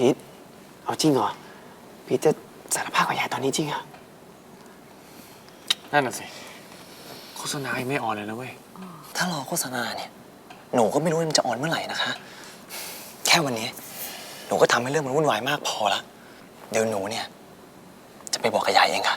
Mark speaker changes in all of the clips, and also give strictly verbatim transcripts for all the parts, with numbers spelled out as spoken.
Speaker 1: พีทเอาจริงเหรอพีทจะสารภาพกับยายตอนนี้จริงเหรอนั่นน่ะสิโฆษณายังไม่ออนเลยนะเว้ย
Speaker 2: ถ้ารอโฆษณาเนี่ยหนูก็ไม่รู้ว่ามันจะออนเมื่อไหร่นะคะแค่วันนี้หนูก็ทำให้เรื่องมันวุ่นวายมากพอละเดี๋ยวหนูเนี่ยจะไปบอกกับยายเองค่ะ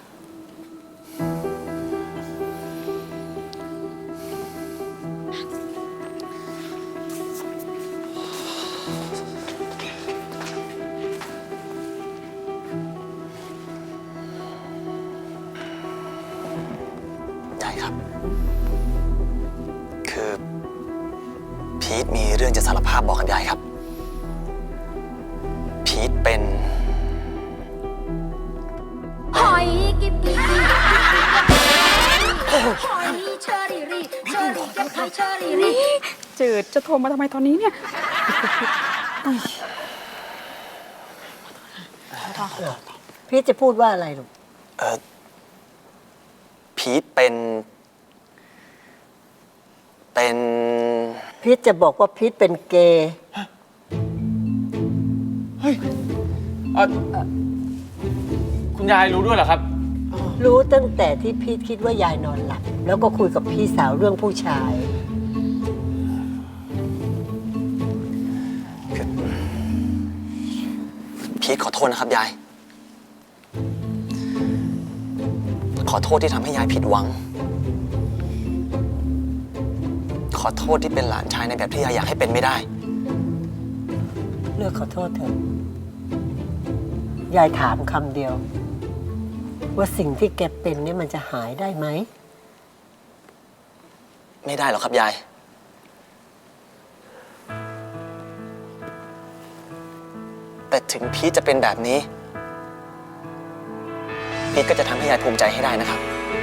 Speaker 2: ได้ครับคือพีทมีเรื่องจะสารภาพบอกกับยายครับพีทเป็น
Speaker 3: หอยกิบกิบหอยเชอรี่รีเชอรี่เก็บไข่เชอรี่รี
Speaker 4: จืดจะโทรมาทำไมตอนนี้เนี่ย
Speaker 5: พีทจะพูดว่าอะไรลูก
Speaker 2: เออพีทเป็นเป็น
Speaker 5: พีทจะบอกว่าพีทเป็นเกย์
Speaker 1: เฮ้ยคุณยายรู้ด้วยเหรอครับ
Speaker 5: รู้ตั้งแต่ที่พีทคิดว่ายายนอนหลับแล้วก็คุยกับพี่สาวเรื่องผู้ชาย
Speaker 2: พีทขอโทษนะครับยายขอโทษที่ทำให้ยายผิดหวังขอโทษที่เป็นหลานชายในแบบที่ยายอยากให้เป็นไม่ได้
Speaker 5: เลือกขอโทษเถอะยายถามคำเดียวว่าสิ่งที่แกเป็นนี่มันจะหายได้ไหม
Speaker 2: ไม่ได้หรอกครับยายแต่ถึงพีทจะเป็นแบบนี้พีทก็จะทำให้ยายภูมิใจให้ได้นะครับ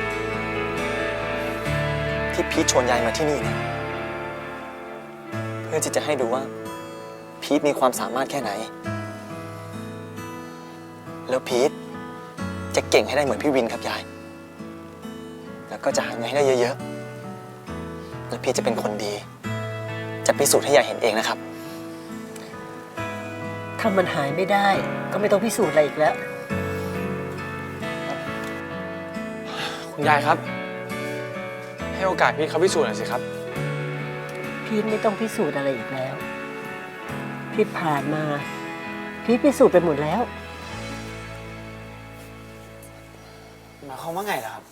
Speaker 2: ที่พีทชวนยายมาที่นี่เนี่ยเพื่อที่จะให้ดูว่าพีทมีความสามารถแค่ไหนแล้วพีทจะเก่งให้ได้เหมือนพี่วินครับยายแล้วก็จะหาเงินให้ได้เยอะๆแล้วพีทจะเป็นคนดีจะพิสูจน์ให้ยายเห็นเองนะครับ
Speaker 5: ถ้ามันหายไม่ได้ก็ไม่ต้องพิสูจน์อะไรอีกแล้ว
Speaker 1: คุณยายครับให้โอกาสพีทเขาพิสูจน์หน่อยสิครับ
Speaker 5: พีทไม่ต้องพิสูจน์อะไรอีกแล้วพีทผ่านมาพีทพิสูจน์ไปหมดแล้ว
Speaker 1: หมายความว่าไงล่ะครับ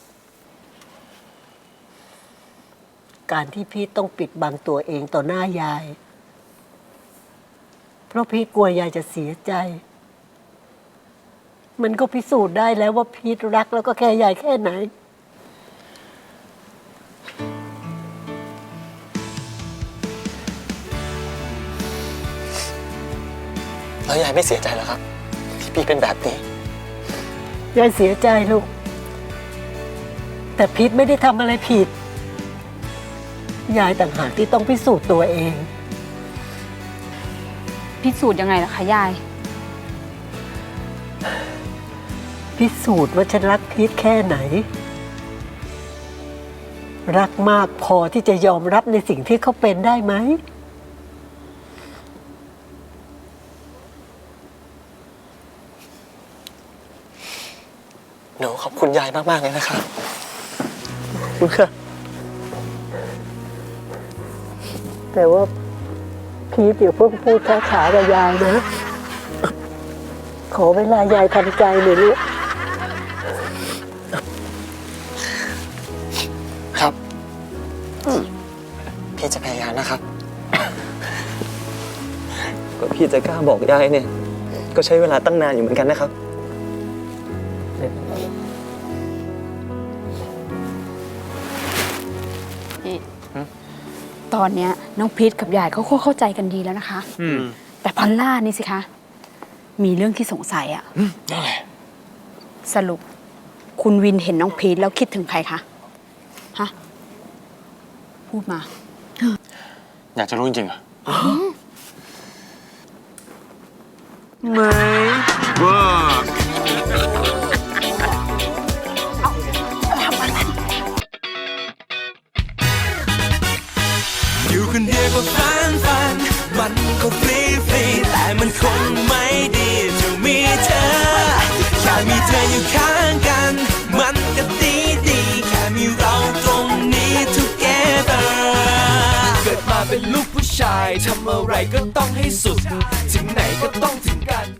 Speaker 5: การที่พีทต้องปิดบังตัวเองต่อหน้ายายเพราะพีทกลัวยายจะเสียใจมันก็พิสูจน์ได้แล้วว่าพีทรักแล้วก็แค่ยายแค่ไหน
Speaker 2: แล้วยายไม่เสียใจเหรอครับที่พี่เป็นแบบนี้
Speaker 5: ยายเสียใจลูกแต่พีทไม่ได้ทำอะไรผิดยายต่างหากที่ต้องพิสูจน์ตัวเอง
Speaker 4: พิสูจน์ยังไงล่ะคะยาย
Speaker 5: พิสูจน์ว่าฉันรักพีทแค่ไหนรักมากพอที่จะยอมรับในสิ่งที่เขาเป็นได้ไหม
Speaker 2: หนูขอบคุณยายมากๆเลยนะครับขอบคุณค่ะ
Speaker 5: แต่ว่าพีทอย่าเพิ่งพูดช้าๆกับยายนะขอเวลายายทำใจหน่อยลูก
Speaker 2: ครับพี่จะพยายามนะครับก็พี่จะกล้าบอกยายเนี่ยก็ใช้เวลาตั้งนานอยู่เหมือนกันนะครับ
Speaker 4: ตอนเนี้ยน้องพีทกับยายเขาเข้าใจกันดีแล้วนะคะแต่พอลล่านี่สิคะมีเรื่องที่สงสัยอะ
Speaker 1: อะไร
Speaker 4: สรุปคุณวินเห็นน้องพีทแล้วคิดถึงใครคะฮะพูดมา
Speaker 1: อยากจะรู้จริงๆเหรอ
Speaker 2: ไม่
Speaker 1: ว้า
Speaker 6: อยู่คนเดียวก็ฟันฟันมันก็ฟรีฟรีแต่มันคงไม่ดีธออยู่ข้างกัน มันก็ดีดีๆแค่มีเราตรงนี้ together เกิดมาเป็นลูกผู้ชายทำอะไรก็ต้องให้สุด ถึงไหนก็ต้องถึงกัน